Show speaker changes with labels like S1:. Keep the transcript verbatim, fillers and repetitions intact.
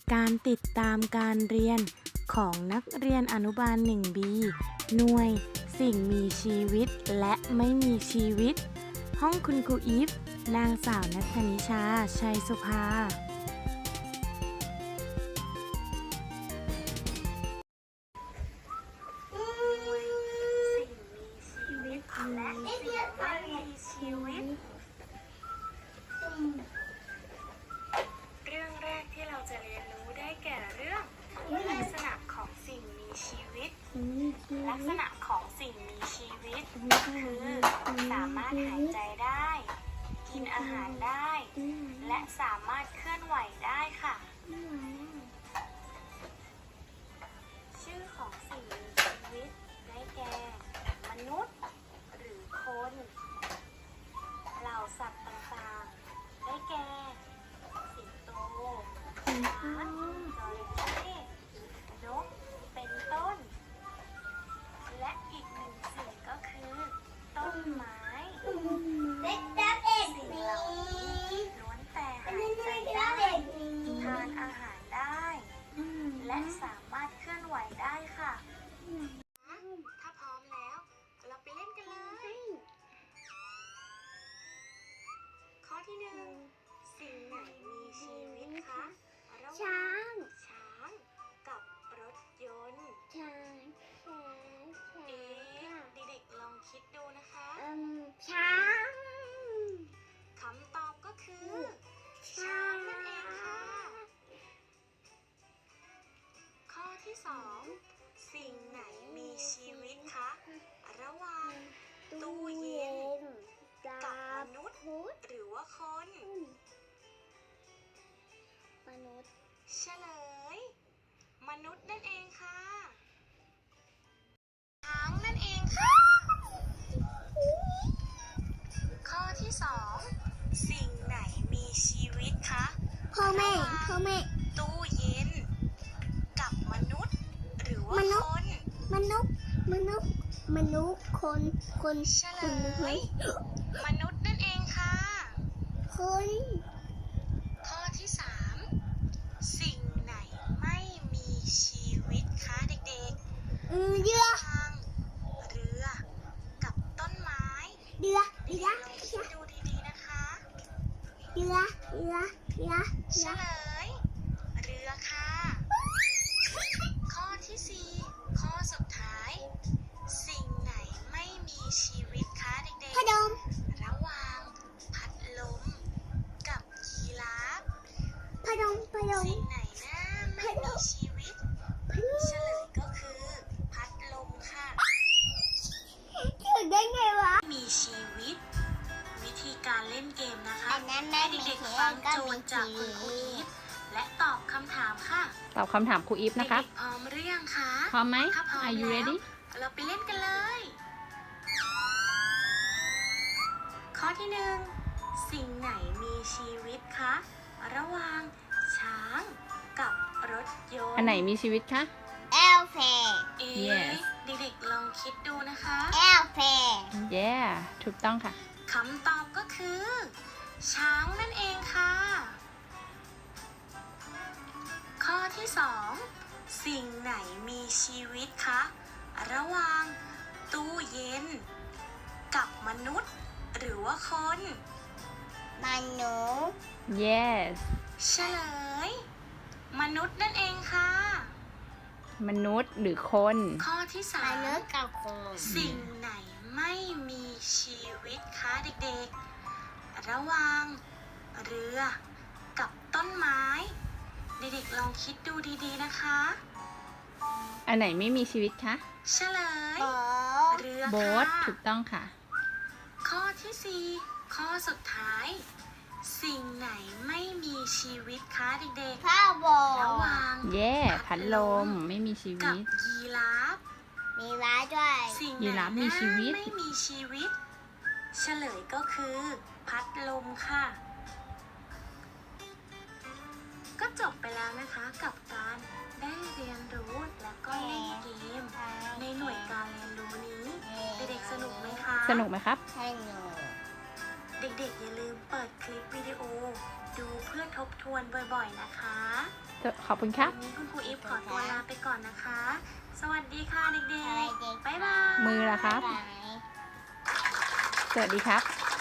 S1: การติดตามการเรียนของนักเรียนอนุบาล หนึ่ง บี หน่วยสิ่งมีชีวิตและไม่มีชีวิตห้องคุณครูอีฟนางสาวณัฐนิชา ชัยสุภา
S2: และสิ่งไม่มีชีวิตเรื่องแรกที่เราจะเรียนรู้ได้แก่เรื่องลักษณะของสิ่งมีชีวิตลักษณะของสิ่งมีชีวิตคือสามารถหายใจได้กินอาหารได้และสามารถเคลื่อนไหวได้ค่ะชื่อของสิ่งมีชีวิตได้แก่มนุษย์หรือคนเหล่าสัตว์ต่างๆได้แก่สิงโตช้างจระเข้นกเป็นต้นและอีกหนึ่งสิ่งก็คือต้นไม้สิ่งเหล่านี้ล้วนแต่หายใจได้ทานอาหารได้และสามารถเคลื่อนไหวได้ค่ะถ้าพร้อมแล้วเราไปเล่นกันเลยข้อที่หนึ่งสิ่งไหนมีชีวิตคะระหว่างช้างกับรถยนต์ช้างช้างเอ๊ะเด็กๆลองคิดดูนะคะช้างคำตอบก็คือช้างนั่นเองค่ะข้อที่สองสิ่งไหนมีชีวิตคะระหว่างตู้เย็นกับมนุษย์หรือว่าคนมนุษย์เฉลยมนุษย์นั่นเองค่ะช้างนั่นเองค่ะข้อที่สองสิ่งไหนมีชีวิตคะพ่อแม่พ่อแม่ตู้เย็นกับมนุษย์หรือว่าคนมนุษย์มนุษย์มนุษย์คนคนเฉลยมนุษย์นั่นเองค่ะคนข้อที่สามสิ่งไหนไม่มีชีวิตคะเด็กๆเรือเรือกับต้นไม้เรือเรือคิดดูดีๆนะคะเรือเรือเรือเฉลยเรือค่ะข้อที่สี่ข้อสุดท้ายสิ่งไหนไม่มีชีวิตคะเด็กๆพัดลมระหว่างพัดลมกับยีราฟพัดลมพัดลมสิ่งไหนนะไม่มีชีวิตเฉลยก็คือพัดลมค่ะถึงได้ไงวะมีชีวิตวิธีการเล่นเกมนะคะให้เด็กๆฟังโจทย์จากคุณครูอีฟและตอบคำถามค่ะ
S3: ตอบคำถามครูอีฟนะคะ
S2: พร้อมหรือยังคะ
S3: พร้อมไหม
S2: ถ้าพร้อม
S3: Are you ready
S2: เราไปเล่นกันเลยข้อที่หนึ่งสิ่งไหนมีชีวิตคะระหว่างช้างกับรถยนต์
S3: อันไหนมีชีวิตคะ
S4: Elephant
S2: เอ๊ะ
S3: Yes
S2: เด็กๆลองคิดดูนะคะ
S4: Elephant
S3: Yeah ถูกต้องค่ะ
S2: คำตอบก็คือ ช้างนั่นเองค่ะข้อที่สองสิ่งไหนมีชีวิตคะระหว่างตู้เย็นกับมนุษย์หรือว่าคน
S4: มนุษย์
S3: Yes
S2: เฉลยมนุษย์นั่นเองค่ะ
S3: มนุษย์หรือคน
S2: ข้อที่สาม
S4: มนุษย์กับคน
S2: สิ่งไหนไม่มีชีวิตคะเด็กๆระหว่างเรือกับต้นไม้เด็กๆลองคิดดูดีๆนะคะ
S3: อันไหนไม่มีชีวิตคะ
S2: เฉลย
S4: โบ๊ท
S2: เรือ
S3: โบ๊ท
S2: ค่ะ
S3: ถูกต้องค่ะ
S2: ข้อที่สี่ข้อสุดท้ายสิ่งไหนไม่มีชีวิตคะเด็ก
S4: ผ้าโบ
S2: ๆระหว่าง
S3: Yeah พัดลมไม่มีชี
S2: กั
S3: วิ
S2: บ
S3: ต
S2: ยีราฟ
S4: มีม้าด้วย
S2: สิ่งไหน
S3: ยีราฟมีชีวิต
S2: ไม่มีชีวิตเฉลยก็คือพัดลมค่ะก็จบไปแล้วนะคะกับการได้เรียนรู้และก็เล่นเกมในหน่วยการเรียนรู้นี้เด็กๆสนุกไหมคะ
S3: สนุกไหมครับ
S4: ให้หนู
S2: เด็กๆอย่าลืมเปิดคลิปวิดีโอดูเพื่อทบทวนบ่อยๆนะคะ
S3: ขอบคุณครับ
S2: วันนี้คุณครูอีฟขอตัวลาไปก่อนนะคะ สวัสดีค่ะเด็กๆ บ๊ายบาย
S3: มือล่ะครับ
S4: บ๊ายบาย
S3: สวัสดีครับ